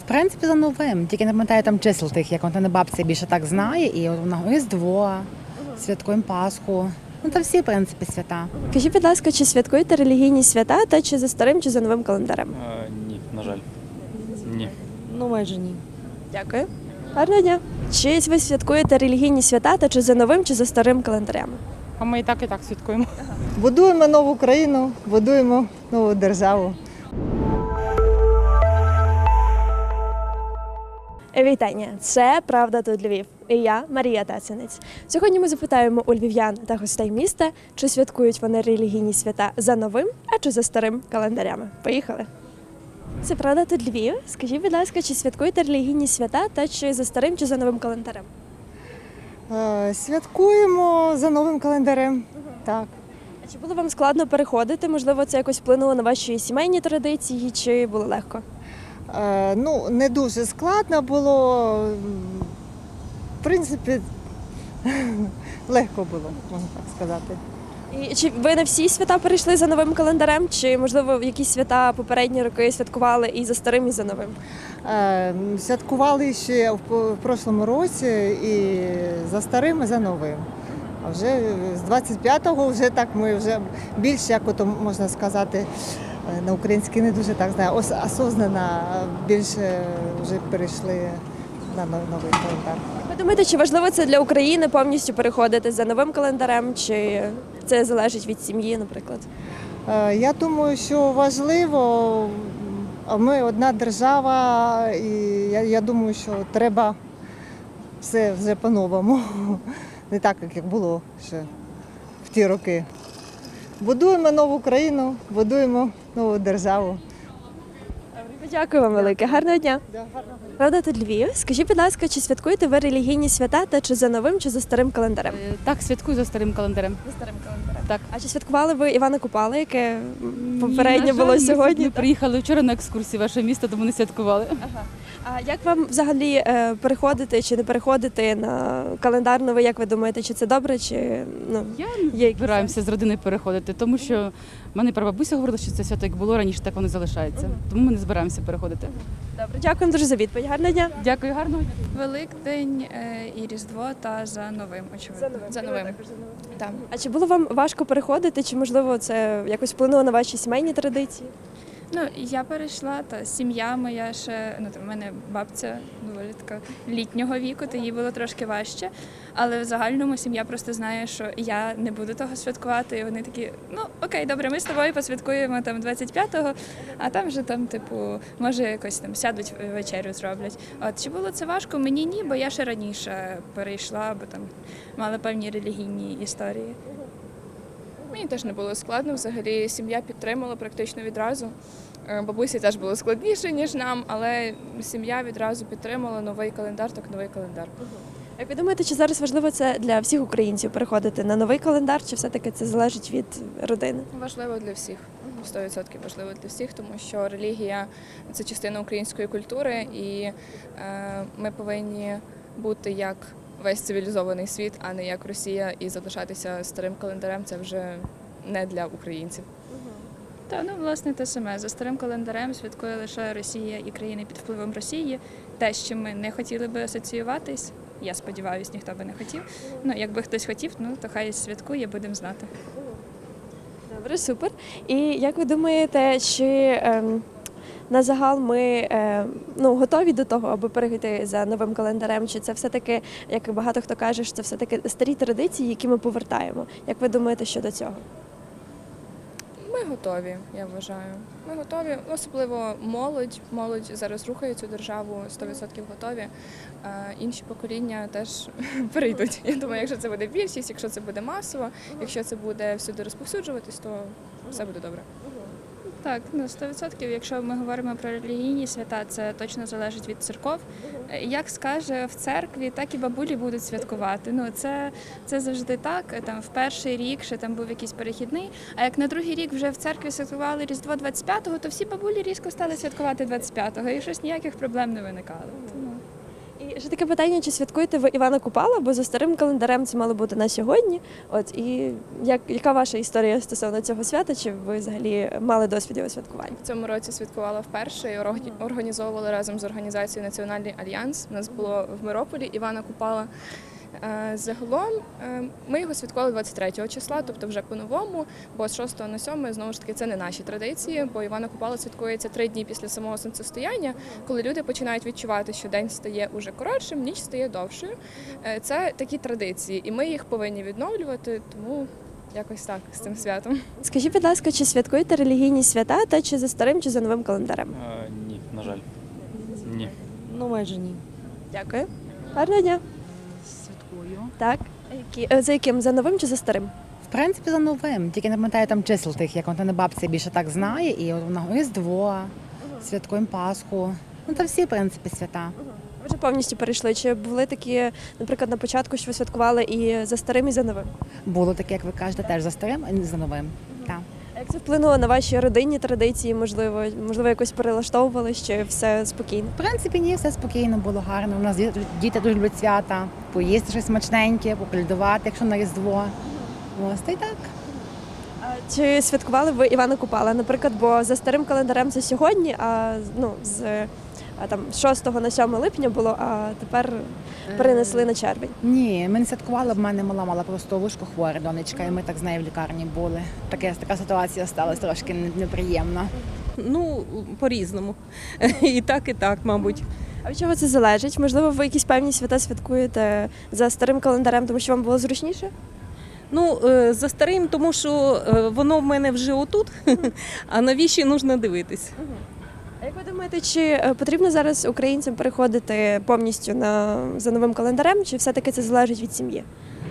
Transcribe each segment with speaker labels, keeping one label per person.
Speaker 1: принципі, за новим. Тільки не пам'ятаю там чисел тих, як вона бабця більше так знає. І от вона Різдво, святкуємо Пасху. Ну, та всі, в принципі, свята.
Speaker 2: Скажіть, будь ласка, чи святкуєте релігійні свята, та чи за старим, чи за новим календарем?
Speaker 3: Ні, на жаль. Ні.
Speaker 4: Ну, майже ні.
Speaker 2: Дякую. Гарного дня. Чи ви святкуєте релігійні свята, та чи за новим, чи за старим календарем?
Speaker 5: А ми і так святкуємо.
Speaker 4: Будуємо нову країну, будуємо нову державу.
Speaker 2: Вітання! Це «Правда тут Львів» і я, Марія Тацінець. Сьогодні ми запитаємо у львів'ян та гостей міста, чи святкують вони релігійні свята за новим, а чи за старим календарями. Поїхали! Це «Правда тут Львів». Скажіть, будь ласка, чи святкуєте релігійні свята, та чи за старим, чи за новим календарем?
Speaker 4: Святкуємо за новим календарем. Так.
Speaker 2: А чи було вам складно переходити? Можливо, це якось вплинуло на ваші сімейні традиції, чи було легко?
Speaker 4: Ну, не дуже складно було. В принципі, легко було, можна так сказати.
Speaker 2: І чи ви на всі свята перейшли за новим календарем, чи, можливо, якісь свята попередні роки святкували і за старим, і за новим?
Speaker 4: Святкували ще в прошлому році і за старим, і за новим. А вже з 25-го вже так ми вже більше, як ото можна сказати, на українській не дуже так знаю, осознано більше вже перейшли на новий календар.
Speaker 2: Ви думаєте, чи важливо це для України повністю переходити за новим календарем, чи це залежить від сім'ї, наприклад?
Speaker 4: Я думаю, що важливо, ми одна держава, і я думаю, що треба все вже по-новому. Не так, як було ще в ті роки. Будуємо нову країну, будуємо нову державу.
Speaker 2: Дякую вам велике. Гарного дня. Правда тут Львів. Скажіть, будь ласка, чи святкуєте ви релігійні свята, та чи за новим, чи за старим календарем?
Speaker 5: Так, святкую за старим календарем.
Speaker 2: За старим календарем.
Speaker 5: Так.
Speaker 2: А чи святкували ви Івана Купала, яке попередньо
Speaker 5: На жаль,
Speaker 2: було
Speaker 5: ми
Speaker 2: сьогодні?
Speaker 5: Ми приїхали вчора на екскурсію в ваше місто, тому не святкували.
Speaker 2: Ага. А як вам взагалі переходити чи не переходити на календар новий, як ви думаєте, чи це добре, чи ну,
Speaker 5: Я
Speaker 2: є якісь
Speaker 5: збираємося з родиною переходити, тому що в мене прабабуся говорила, що це свято як було раніше, так воно і залишається. Тому ми не збираємося переходити.
Speaker 2: добре? Дякуємо дуже за відповідь. Гарного дня.
Speaker 5: Дякую, гарного дня.
Speaker 6: Великдень і Різдво та за новим, очевидно. За новим. Так.
Speaker 2: А чи було вам важко переходити, чи можливо це якось вплинуло на ваші сімейні традиції?
Speaker 6: Ну, я перейшла, та сім'я моя ще, ну там в мене бабця доволі така літнього віку, то їй було трошки важче. Але в загальному сім'я просто знає, що я не буду того святкувати. І вони такі, ну окей, добре, ми з тобою посвяткуємо там 25-го, а там вже там, типу, може якось там сядуть вечерю зроблять. От чи було це важко? Мені ні, бо я ще раніше перейшла, бо там мала певні релігійні історії.
Speaker 7: Мені теж не було складно, взагалі сім'я підтримала практично відразу. Бабусі теж було складніше, ніж нам, але сім'я відразу підтримала новий календар, так новий календар.
Speaker 2: Як ви думаєте, чи зараз важливо це для всіх українців переходити на новий календар, чи все-таки це залежить від родини?
Speaker 7: Важливо для всіх, 100% важливо для всіх, тому що релігія – це частина української культури, і ми повинні бути як весь цивілізований світ, а не як Росія, і залишатися старим календарем – це вже не для українців.
Speaker 6: Та ну власне те саме. За старим календарем святкує лише Росія і країни під впливом Росії. Те, з чим ми не хотіли би асоціюватись. Я сподіваюся, ніхто би не хотів. Ну, якби хтось хотів, ну то хай святкує, будемо знати.
Speaker 2: Добре, супер. І як ви думаєте, чи на загал ми готові до того, аби перейти за новим календарем? Чи це все-таки, як багато хто каже, що це все-таки старі традиції, які ми повертаємо? Як ви думаєте щодо цього?
Speaker 7: Ми готові, я вважаю. Ми готові, особливо молодь. Молодь зараз рухає цю державу, 100% готові. Інші покоління теж перейдуть. Я думаю, якщо це буде більшість, якщо це буде масово, якщо це буде всюди розповсюджуватись, то все буде добре.
Speaker 6: Так, ну 100%. Якщо ми говоримо про релігійні свята, це точно залежить від церков. Як скаже в церкві, так і бабулі будуть святкувати. Ну це завжди так. Там в перший рік ще там був якийсь перехідний. А як на другий рік вже в церкві святкували Різдво 25-го, то всі бабулі різко стали святкувати 25-го, і щось ніяких проблем не виникало. Тому...
Speaker 2: І ще таке питання, чи святкуєте ви Івана Купала, бо за старим календарем це мало бути на сьогодні. От і яка ваша історія стосовно цього свята? Чи ви взагалі мали досвід його святкування?
Speaker 7: В цьому році святкувала вперше і організовували разом з організацією Національний альянс. У нас було в Мирополі Івана Купала. Загалом ми його святкували 23 числа, тобто вже по-новому, бо з 6 на 7 знову ж таки це не наші традиції, бо Івана Купала святкується 3 дні після самого сонцестояння, коли люди починають відчувати, що день стає уже коротшим, ніч стає довшою. Це такі традиції, і ми їх повинні відновлювати, тому якось так з цим святом.
Speaker 2: Скажіть, будь ласка, чи святкуєте релігійні свята, та чи за старим, чи за новим календарем?
Speaker 3: Ні, на жаль. Ні.
Speaker 8: Ну, майже ні.
Speaker 2: Дякую. Гарного дня.
Speaker 1: Святкую.
Speaker 2: Так. За яким? За новим чи за старим?
Speaker 1: В принципі, за новим. Тільки не пам'ятаю там чисел тих, як вона бабця більше так знає. І от вона Різдво, святкуємо Пасху. Ну, та всі, в принципі, свята.
Speaker 2: Ви вже повністю перейшли. Чи були такі, наприклад, на початку, що ви святкували і за старим, і за новим?
Speaker 1: Було таке, як ви кажете, теж за старим, а не за новим. Так.
Speaker 2: А як це вплинуло на ваші родинні традиції? Можливо, якось перелаштовували, чи все спокійно?
Speaker 1: В принципі, ні, все спокійно, було гарно. У нас діти дуже люблять свята, поїсти щось смачненьке, поколядувати, якщо на Різдво. Ось, та й так.
Speaker 2: Чи святкували ви Івана Купала? Наприклад, бо за старим календарем це сьогодні, з 6 на 7 липня було, а тепер перенесли на червень.
Speaker 1: Ні, ми не святкували, в мене мала просто вушко хвора донечка, і ми так з нею в лікарні були. Така ситуація сталася трошки неприємна.
Speaker 8: Ну, по-різному. І так, мабуть.
Speaker 2: А від чого це залежить? Можливо, ви якісь певні свята святкуєте за старим календарем, тому що вам було зручніше?
Speaker 8: Ну, за старим, тому що воно в мене вже отут, а новіші потрібно дивитись.
Speaker 2: А як ви думаєте, чи потрібно зараз українцям переходити повністю за новим календарем, чи все-таки це залежить від сім'ї?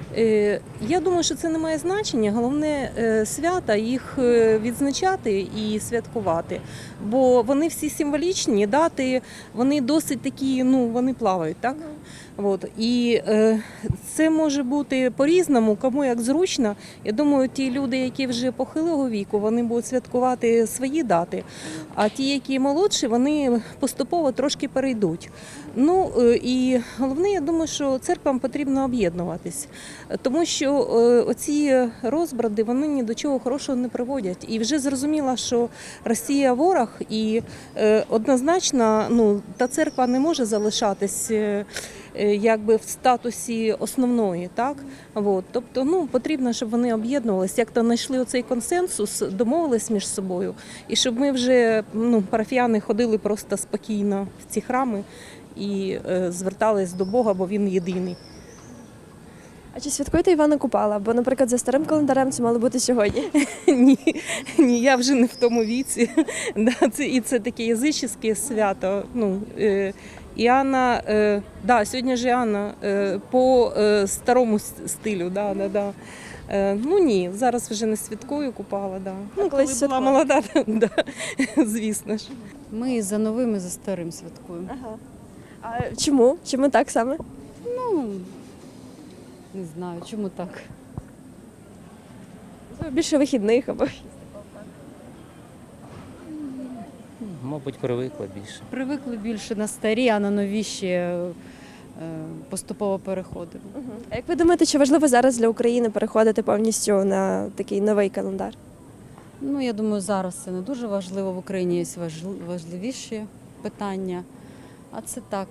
Speaker 8: Я думаю, що це не має значення. Головне свята їх відзначати і святкувати. Бо вони всі символічні, дати, вони досить такі, вони плавають, так? От. І це може бути по-різному, кому як зручно. Я думаю, ті люди, які вже похилого віку, вони будуть святкувати свої дати, а ті, які молодші, вони поступово трошки перейдуть. Ну і головне, я думаю, що церквам потрібно об'єднуватись, тому що оці розбради, вони ні до чого хорошого не приводять. І вже зрозуміло, що Росія ворог, і однозначно та церква не може залишатись якби в статусі основної, так? От. Тобто, потрібно, щоб вони об'єднувалися, як-то знайшли оцей консенсус, домовились між собою, і щоб ми вже, парафіяни, ходили просто спокійно в ці храми і звертались до Бога, бо Він єдиний.
Speaker 2: А чи святкуєте Івана Купала? Бо, наприклад, за старим календарем це мало бути сьогодні.
Speaker 8: Ні, я вже не в тому віці. Це таке язичне свято. Іанна, сьогодні ж Іанна по старому стилю. Ні, зараз вже не святкую Купала.
Speaker 2: колись
Speaker 8: Коли була
Speaker 2: святкувала.
Speaker 8: молода, звісно ж.
Speaker 5: Ми за новим і за старим святкуємо.
Speaker 2: Ага. А чому? Чому так саме?
Speaker 5: Не знаю, чому так.
Speaker 2: Більше вихідних або
Speaker 9: Мабуть, привикла більше.
Speaker 5: Привикли більше на старі, а на нові ще поступово переходимо.
Speaker 2: А як ви думаєте, чи важливо зараз для України переходити повністю на такий новий календар?
Speaker 5: Я думаю, зараз це не дуже важливо. В Україні є важливіші питання, а це так.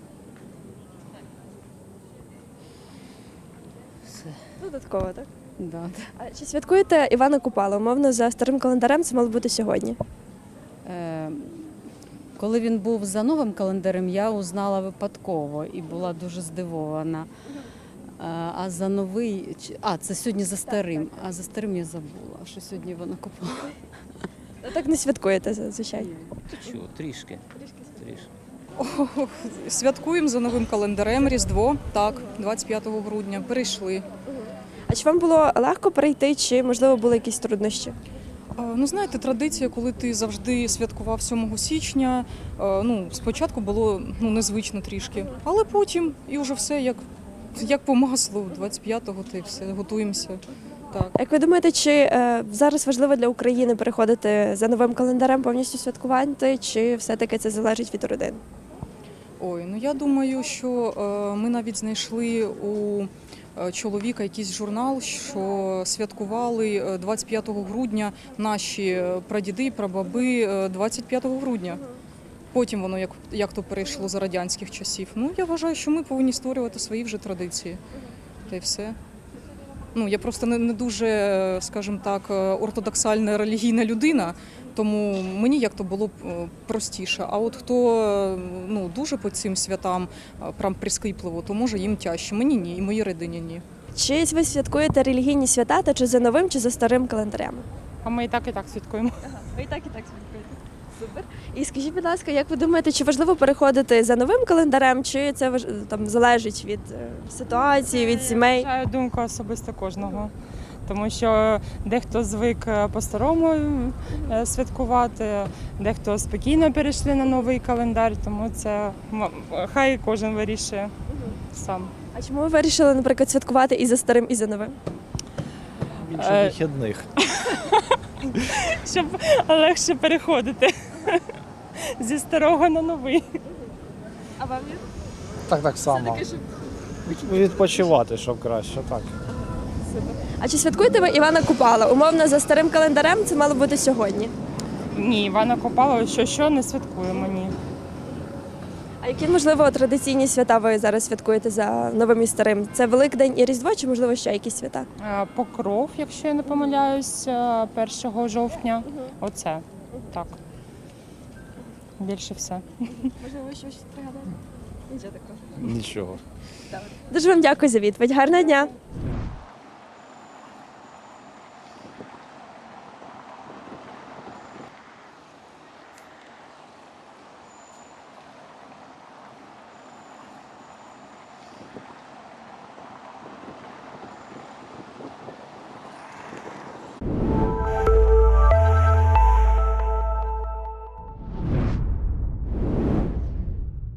Speaker 2: Додатково, так?
Speaker 5: Да.
Speaker 2: А чи святкуєте Івана Купала? Умовно, за старим календарем це мало бути сьогодні.
Speaker 5: Коли він був за новим календарем, я узнала випадково і була дуже здивована. А за новий, це сьогодні за старим, а за старим я забула, що сьогодні Івана Купала.
Speaker 2: Так не святкуєте зазвичай.
Speaker 9: Трішки.
Speaker 10: Святкуємо за новим календарем Різдво, так, 25 грудня, перейшли.
Speaker 2: А чи вам було легко перейти, чи, можливо, були якісь труднощі?
Speaker 10: Знаєте, традиція, коли ти завжди святкував 7 січня, спочатку було незвично трішки, але потім і вже все як по маслу, 25-го та й все, готуємося. Так.
Speaker 2: Як ви думаєте, чи зараз важливо для України переходити за новим календарем повністю святкувати, чи все-таки це залежить від родин?
Speaker 10: Ой, ну я думаю, що ми навіть знайшли у чоловіка якийсь журнал, що святкували 25 грудня наші прадіди і прабаби 25 грудня. Потім воно як то перейшло за радянських часів. Ну, я вважаю, що ми повинні створювати свої вже традиції. Та й все. Ну, я просто не дуже, скажімо так, ортодоксальна релігійна людина, тому мені як то було б простіше. А от хто ну, дуже по цим святам прям прискіпливо, то може їм тяжче. Мені ні, і моїй родині ні.
Speaker 2: Чи ви святкуєте релігійні свята, та чи за новим, чи за старим календарем?
Speaker 11: А ми і так святкуємо.
Speaker 2: Ви і так святкуєте. Супер. І скажіть, будь ласка, як ви думаєте, чи важливо переходити за новим календарем, чи це там залежить від ситуації, від сімей?
Speaker 11: Я вважаю думку особисто кожного. Тому що дехто звик по-старому святкувати, дехто спокійно перейшли на новий календар, тому це хай кожен вирішує сам.
Speaker 2: А чому ви вирішили, наприклад, святкувати і за старим, і за новим?
Speaker 12: Більше вихідних.
Speaker 11: Щоб легше переходити зі старого на новий.
Speaker 2: А вам є?
Speaker 12: Так само. Відпочивати, щоб краще, так.
Speaker 2: А чи святкуєте ви Івана Купала? Умовно, за старим календарем це мало бути сьогодні.
Speaker 11: Ні, Івана Купала, що не святкуємо, ні.
Speaker 2: А які, можливо, традиційні свята ви зараз святкуєте за новим і старим? Це Великдень і Різдво, чи, можливо, ще якісь свята?
Speaker 11: Покров, якщо я не помиляюсь, 1 жовтня. Оце, так. Більше все.
Speaker 2: Можливо, щось пригадаєте? Нічого такого.
Speaker 12: Нічого.
Speaker 2: Дуже вам дякую за відповідь. Гарного дня!